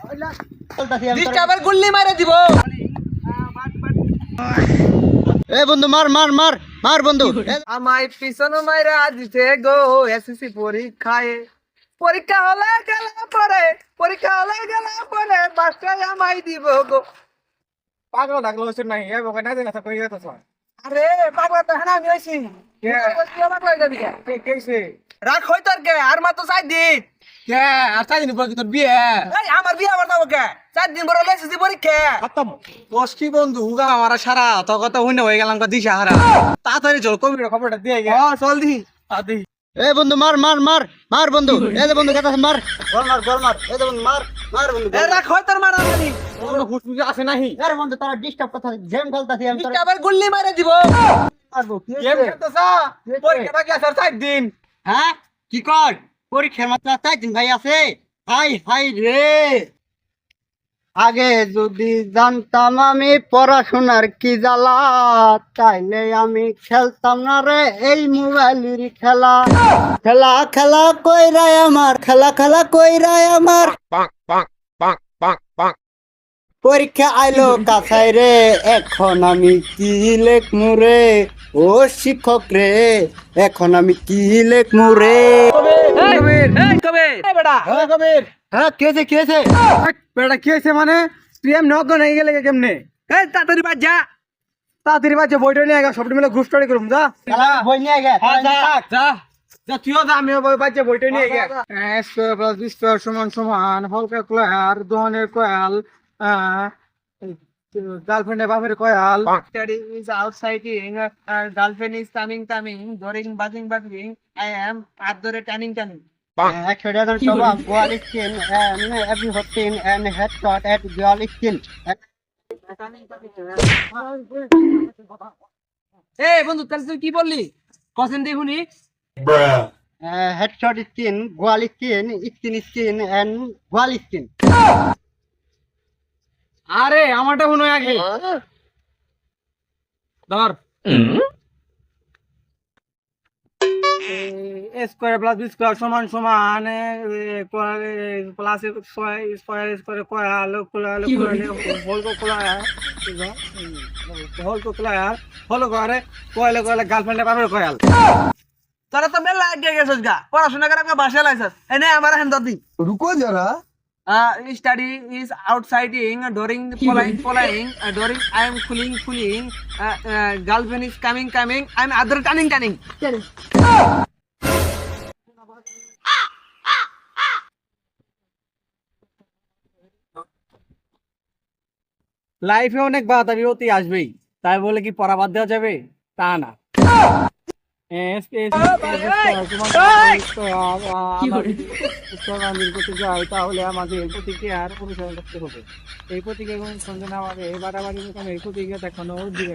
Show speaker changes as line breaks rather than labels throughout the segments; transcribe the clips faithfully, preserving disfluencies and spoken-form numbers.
ডিস্টার্বার গুল্লি মারে দিব।
এ বন্ধু মার মার মার মার বন্ধু।
আমায় পিছন মাইরা দিতে গো এসএসসি পরীক্ষায়। পরীক্ষা হলে গেলে পরে পরীক্ষা হলে গেলে পরে বাসায় আমায় দিব গো।
পাগল ডাকলো হচ্ছে নাই এ বকে না দিনা কই গেছস
আরে পাগলা তো হ্যাঁ আমি হইছি।
কে?
পাগলা যাবি কে?
কে কেছে
রাখ হই তোর কে আর মাত্র চার দিন।
কে আর চাই দিন পর কি তোর বিয়ে
এই আমার বিয়ে আবার যাবো কে? চার দিন পরে হলে এসএসসি পরীক্ষা।
খতম বস কি বন্ধু হুগা আমার সারা তো কথা হইনা হয়ে গেলাম কা দিশা হারা তাড়াতাড়ি চল কবির খবরটা দিয়ে গে
ও চল দি।
আদি
এ বন্ধু মার মার মার মার বন্ধু। এ যে বন্ধু কথা মার গোল মার গোল মার। এ যে বন্ধু মার মার বন্ধু।
এ রাখ হই তোর মারা মারি।
কোনো হুসমুজে আছে নাহি
আরে বন্ধু তারা ডিস্টার্ব কথা গেম খেলতাছি আমি তোর
ডিস্টার্বার গুল্লি মারে দিব।
মারবো কি
গেম
হইছে?
খেলতেছা পরীক্ষা বাকি আছে আর চার দিন
হ্যাঁ কি কর পরীক্ষার মাত্র চার দিন ভাই আছে। হাই হাই রে আগে যদি জানতাম আমি পড়াশোনার কি জ্বালা তাইলে আমি খেলতাম না রে এই মোবাইলের খেলা। খেলা খেলা কইরাই আমার খেলা খেলা কইরাই আমার পরীক্ষা আইলো কাছাই রে এখন আমি কি লেখমু রে ও শিক্ষক রে এখন আমি কি লেখমু রে।
কবির এই কবির এই বেটা
হ্যাঁ কবির
হ্যাঁ কেছে কেছে
বেটা কি হইছে মানে তুই এমনি অজ্ঞান হয়ে গেলে কেমনে
এই তাড়াতাড়ি বাজ যা।
তাড়াতাড়ি বাজে বইটা নিয়ে গা সবটি মিলে গ্রুপ স্টাডি করুম যা
বই নিয়ে গে
যা যা যা তুইও যা আমিও বই বাজে বইটা নিয়ে গে A square plus B square সমান সমান হল ক্যালকুলার দহনের কয়াল গার্লফ্রেন্ডের বাপের Kayal
Study is outsiting, uh, girlfriend is coming, coming, during buzzing, buzzing. I am at the turning, turning.
Actually, সবাই গোয়াল স্কিন এভরি হটিন এন্ড হেডশট এট গোয়াল স্কিন
এই বন্ধু তাহলে তুই কি বললি? কসেন দেখুনি?
হেডশট স্কিন গোয়াল স্কিন স্কিন স্কিন এন্ড গোয়াল স্কিন।
আরে আমারটা শুনো আগে ধর A square plus B square সমান সমান প্লাস স্কয়ার স্কয়ার স্কয়ার কয়াল কয়াল কয়াল হল কয়াল হল কয়াল হল করে কয়াল কয়াল গার্লফ্রেন্ডের বাপের কয়াল
তোরা তো মেলা আগে গেছিস গা পড়াশোনা করে আমাকে বাসায় লাইছিস এই নে আমার হ্যান্ড দি
রুকো যারা
uh study is outsiting during the following following uh, during I am cooling cooling uh, uh, girlfriend is coming coming I am other turning turning
লাইফে অনেক বাধা বিপত্তি আসবেই তাই বলে কি পড়া বাদ দেওয়া যাবে তা না তাহলে আমাদের প্রতিক্রিয়ার অনুসরণ করতে হবে এই প্রতিক্রিয়া সঙ্গে না আমাদের বাড়াবাড়ি এই প্রতিক্রিয়া দেখানো দিবেন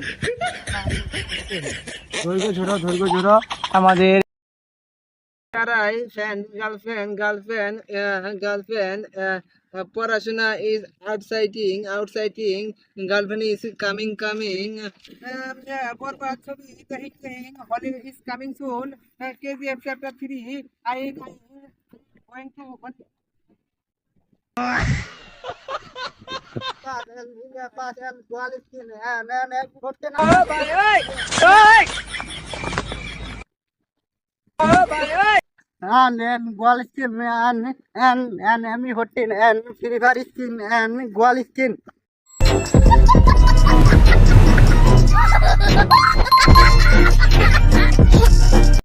ধৈর্য ঝোড়ো ধৈর্য ঝোড়ো আমাদের
Karai, friend, girlfriend, girlfriend, uh, girlfriend, uh, uh, Parashuna is outsiting, outsiting, girlfriend is coming, coming. Um, yeah, Borbat Sobi is hitting, Holly is coming soon. Uh, K G F chapter three, I am going to. Oh, bye, oi! Oi! Oh, bye, oi!
and and goal skin and and and Emmy Hotin and Silver skin and goal skin.